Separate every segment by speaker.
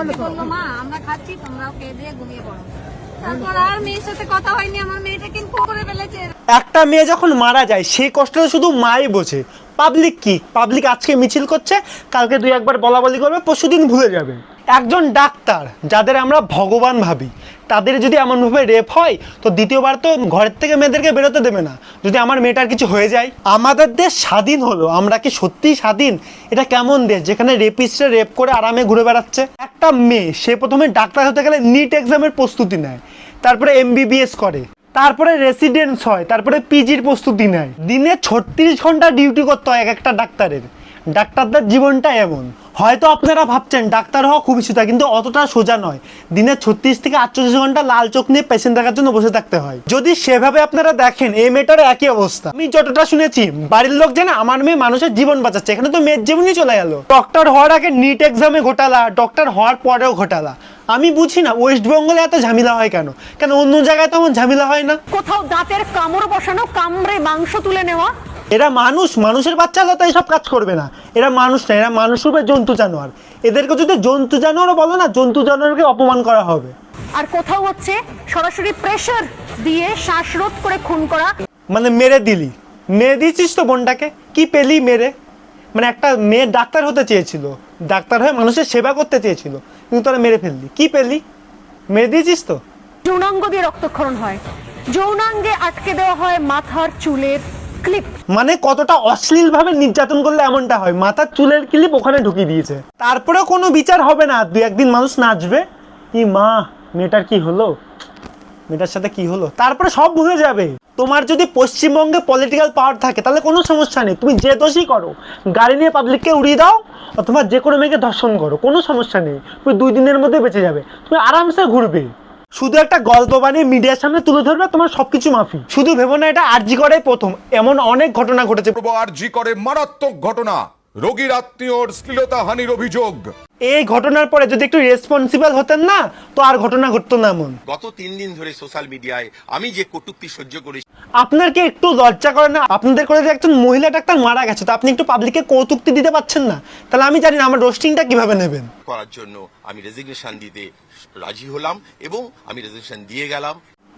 Speaker 1: বললো মা আমরা খাচ্ছি তোমরাও খেয়ে দিয়ে ঘুমিয়ে পড়ো। তারপর আর মেয়ের সাথে কথা হয়নি, আমার মেয়েটা কিন্তু করে ফেলেছে।
Speaker 2: একটা মেয়ে যখন মারা যায় সেই কষ্টটা শুধু মাই বোঝে, পাবলিক কি? পাবলিক আজকে মিছিল করছে, কালকে দুই একবার বলা বলি করবে, পরশুদিন ভুলে যাবে। একজন ডাক্তার যাদের আমরা ভগবান ভাবি তাদের যদি এমনভাবে রেপ হয় তো দ্বিতীয়বার তো ঘরের থেকে মেয়েদেরকে বেরোতে দেবে না। যদি আমার মেয়েটার কিছু হয়ে যায়, আমাদের দেশ স্বাধীন হলো, আমরা কি সত্যিই স্বাধীন? এটা কেমন দেশ যেখানে রেপিস্টরা রেপ করে আরামে ঘুরে বেড়াচ্ছে? একটা মেয়ে সে প্রথমে ডাক্তার হতে গেলে নিট এক্সামের প্রস্তুতি নেয়, তারপরে MBBS করে, তারপরে রেসিডেন্স হয়, তারপরে পিজির প্রস্তুতি নেয়। দিনে 36 ঘন্টা ডিউটি করতে হয় এক একটা ডাক্তারের। ডাক্তারদের জীবনটা এমন। হয়তো আপনারা ভাবছেন ডাক্তার হওয়া খুবই সোজা, কিন্তু অতটা সোজা নয়। দিনে 36 থেকে 48 ঘন্টা লাল চোখ নিয়ে পেশেন্ট দেখার জন্য বসে থাকতে হয়। যদি সেভাবে আপনারা দেখেন এই মেয়েটার একই অবস্থা। আমি যতটা শুনেছি বাড়ির লোক জানে আমার মেয়ে মানুষের জীবন বাঁচাচ্ছে, এখানে তো মেয়ের জীবনই চলে গেল। ডক্টর হওয়ার আগে নিট এক্সামে ঘোটালা, ডক্টর হওয়ার পরেও ঘোটালা। আমি বুঝি না ওয়েস্ট বেঙ্গলে এত ঝামেলা হয় কেন, কেন অন্য জায়গায় তো এমন ঝামেলা হয় না?
Speaker 3: কোথাও দাঁতের কামড় বসানো, কামড়ে মাংস তুলে নেওয়া।
Speaker 2: এরা মানুষ, মানুষের বাচ্চা হলে তো এইসব কাজ করবে না। এরা মানুষ না, এরা মানুষ রূপে জন্তু জানোয়ার। এদেরকে যদি জন্তু জানোয়ারও বলো না, জন্তু জানোয়ারকে অপমান করা হবে।
Speaker 3: আর কোথাও হচ্ছে সরাসরি প্রেসার দিয়ে শ্বাসরোধ করে খুন করা।
Speaker 2: মানে মেরে দিলি, মেরে দিয়েছিস তো বোনটাকে, কি পেলি মেরে? মানে একটা মেয়ে ডাক্তার হতে চেয়েছিল, ডাক্তার হয়ে মানুষের সেবা করতে চেয়েছিল, কিন্তু তোরা মেরে ফেললি, কি পেলি? মেরে দিয়েছিস তো।
Speaker 3: যৌনাঙ্গ দিয়ে রক্তক্ষরণ হয়, যৌনাঙ্গে আটকে দেওয়া হয় মাথার চুলের ক্লিপ।
Speaker 2: মানে কতটা অশ্লীল ভাবে নির্যাতন করলে এমনটা হয়, মাথার চুলের ক্লিপ ওখানে ঢুকিয়ে দিয়েছে। তারপরে কোনো বিচার হবে না, দুই একদিন মানুষ নাচবে, কি মা মেয়েটার কি হলো, মেয়েটার সাথে কি হলো, তারপরে সব ভুলে যাবে। তোমার যদি পশ্চিমবঙ্গে পলিটিক্যাল পাওয়ার থাকে তাহলে কোনো সমস্যা নেই, তুমি যে দোষই করো, গাড়ি নিয়ে পাবলিককে উড়িয়ে দাও অথবা যে কোনো মেয়েকে ধর্ষণ করো, কোনো সমস্যা নেই, তুমি 2 দিনের মধ্যে বেঁচে যাবে, তুমি আরামসে ঘুরবে। শুধু একটা গল্প বানিয়ে মিডিয়ার সামনে তুলে ধরবে, তোমার সবকিছু মাফি। শুধু ভেবো না এটা আরজি করে প্রথম, এমন অনেক ঘটনা ঘটেছে।
Speaker 4: আরজি করে মারাত্মক ঘটনা, রোগীর আত্মীয়র শ্লীলতাহানির অভিযোগ।
Speaker 2: এই ঘটনার পরে যদি একটু রেসপন্সিবল হতেন না তো আর ঘটনা ঘটতো না এমন।
Speaker 5: গত 3 দিন ধরে সোশ্যাল মিডিয়ায় আমি যে কটূক্তি সহ্য করেছি,
Speaker 2: আপনার কি একটু লজ্জা করে না? আপনাদের করে যে একজন মহিলা ডাক্তার মারা গেছে তো আপনি একটু পাবলিককে কৌতুক্তি দিতে পারছেন না? তাহলে আমি জানি না আমার রোস্টিংটা কিভাবে নেবেন।
Speaker 5: করার জন্য আমি রেজিগনেশন দিতে রাজি হলাম এবং আমি রেজিগনেশন দিয়ে গেলাম।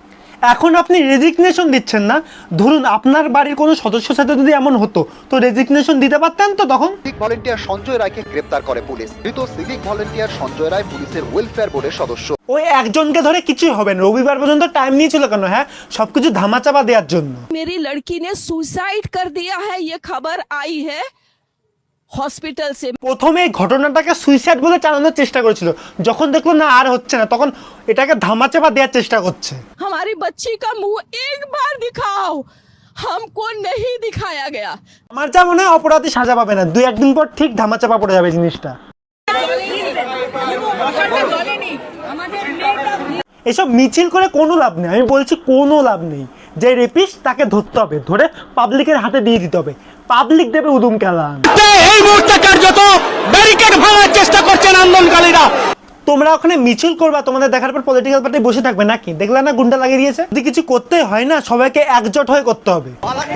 Speaker 2: এখন আপনি রেজিগনেশন দিচ্ছেন না, ধরুন আপনার বাড়ির কোনো সদস্যের সাথে যদি এমন হতো তো রেজিগনেশন দিতে পারতেন তো তখন?
Speaker 6: সিভিক ভলেন্টিয়ার সঞ্জয় রায়কে গ্রেপ্তার করে পুলিশ। মৃত সিভিক ভলেন্টিয়ার সঞ্জয় রায় পুলিশের ওয়েলফেয়ার বোর্ডের সদস্য।
Speaker 2: ওই একজনকে ধরে কিছুই হবে না, রবিবার পর্যন্ত টাইম নিয়েছিল কেন? হ্যাঁ, সবকিছু ধামাচাপা দেওয়ার জন্য।
Speaker 7: मेरी लड़की ने सुसाइड कर दिया है, ये खबर आई है हॉस्पिटल से।
Speaker 2: প্রথমে এই ঘটনাটাকে সুইসাইড বলে চালানোর চেষ্টা করেছিল, যখন দেখলো না আর হচ্ছে না তখন এটাকে ধামাচাপা দেওয়ার চেষ্টা করছে।
Speaker 7: हमारी बच्ची का मुंह एक बार दिखाओ, हमको नहीं दिखाया गया।
Speaker 2: আমার যা মনে হয় অপরাধী সাজা পাবে না, 2-1 দিন পর ঠিক ধামাচাপা পড়ে যাবে জিনিসটা। এসব মিছিল করে কোনো লাভ নেই, আমি বলছি কোনো লাভ নেই। যে রেপিস্ট তাকে ধরতে হবে, ধরে পাবলিকের হাতে দিয়ে দিতে হবে, পাবলিক দেবে উদুম খেলান।
Speaker 8: এই মুহূর্তে কার্যত ব্যারিকেড ভাঙার চেষ্টা করছেন আন্দোলনকারীরা।
Speaker 2: তোমরা ওখানে মিছিল করবা, তোমাদের দেখার পর পলিটিক্যাল পার্টি বসে থাকবে নাকি? দেখলে না গুন্ডা লাগিয়ে দিয়েছে। যদি কিছু করতে হয় না সবাইকে একজোট হয়ে করতে হবে।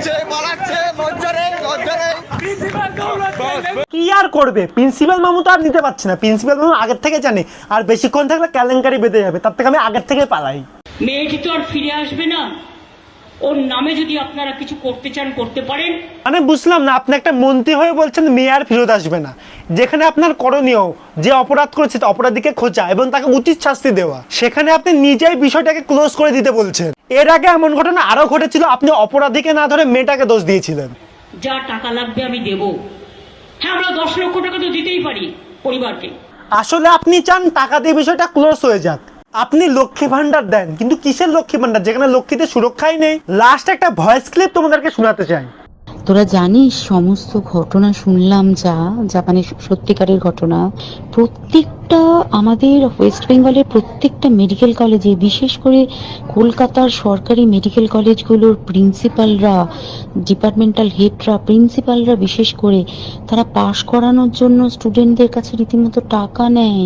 Speaker 2: কি আর করবে, প্রিন্সিপাল মামু তো আর নিতে পারছে না, প্রিন্সিপাল মামু আগের থেকে জানে আর বেশিক্ষণ থাকলে কেলেঙ্কারি বেঁধে যাবে, তার থেকে আমি আগের থেকে পালাই।
Speaker 9: মেয়েটি তো আর ফিরে আসবে না, ওর নামে যদি আপনারা কিছু করতে চান করতে পারেন।
Speaker 2: মানে বুঝলাম না, আপনি একটা মন্ত্রী হয়ে বলছেন মেয়ে আর ফেরত আসবে না, যেখানে আপনার করণীয় যে অপরাধ করেছে অপরাধীকে খোঁজা এবং তাকে উচিত শাস্তি দেওয়া, সেখানে আপনি নিজেই বিষয়টাকে ক্লোজ করে দিতে বলছেন। এর আগে এমন ঘটনা আরো ঘটেছিল, আপনি অপরাধীকে না ধরে মেয়েটাকে দোষ দিয়েছিলেন।
Speaker 9: যা টাকা লাগবে আমি দেব। হ্যাঁ, আমরা 10 লক্ষ টাকা তো দিতেই পারি পরিবারকে।
Speaker 2: আসলে আপনি চান টাকা দিয়ে বিষয়টা ক্লোজ হয়ে যাক। আপনি লক্ষ্মী ভান্ডার দেন, কিন্তু কিসের লক্ষ্মী ভান্ডার যেখানে লক্ষ্মীদের সুরক্ষাই নেই? লাস্ট একটা ভয়েস ক্লিপ তোমাদেরকে শোনাতে চাই।
Speaker 10: তোরা জানিস সমস্ত ঘটনা শুনলাম যা মানে সত্যিকারের ঘটনা, প্রত্যেকটা আমাদের ওয়েস্ট বেঙ্গলের প্রত্যেকটা মেডিকেল কলেজে, বিশেষ করে কলকাতার সরকারি মেডিকেল কলেজগুলোর প্রিন্সিপালরা, ডিপার্টমেন্টাল হেডরা, প্রিন্সিপালরা বিশেষ করে, তারা পাশ করানোর জন্য স্টুডেন্টদের কাছে রীতিমতো টাকা নেয়।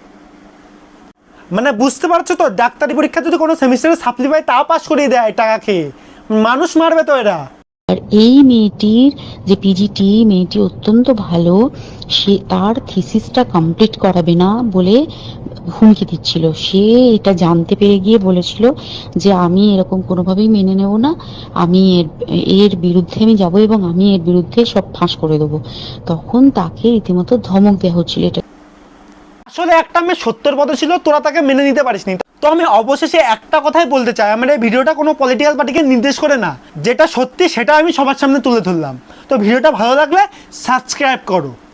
Speaker 2: মানে বুঝতে পারছো তো, ডাক্তারি পরীক্ষা যদি কোনো সেমিস্টারে সাপ্লি পায় তাও পাস করিয়ে দেয় টাকা খেয়ে। মানুষ মারবে তো এরা।
Speaker 10: আর এই মেয়েটির যে পিজিটি, মেয়েটি অত্যন্ত ভালো, সে তার থিসিসটা কমপ্লিট করাবে না বলে হুমকি দিচ্ছিল। সে এটা জানতে পেরে গিয়ে বলেছিল যে আমি এরকম কোনোভাবেই মেনে নেব না, আমি এর বিরুদ্ধে আমি যাব এবং আমি এর বিরুদ্ধে সব ফাঁস করে দেবো। তখন তাকে রীতিমতো ধমক দেওয়া হচ্ছিল। এটা
Speaker 2: আসলে একটা মেয়ে সত্যের পথে ছিল, তোরা তাকে মেনে নিতে পারিসনি। তো আমি অবশেষে একটা কথাই বলতে চাই, আমার এই ভিডিওটা কোনো পলিটিক্যাল পার্টিকে নির্দেশ করে না, যেটা সত্যি সেটা আমি সবার সামনে তুলে ধরলাম। তো ভিডিওটা ভালো লাগলে সাবস্ক্রাইব করো।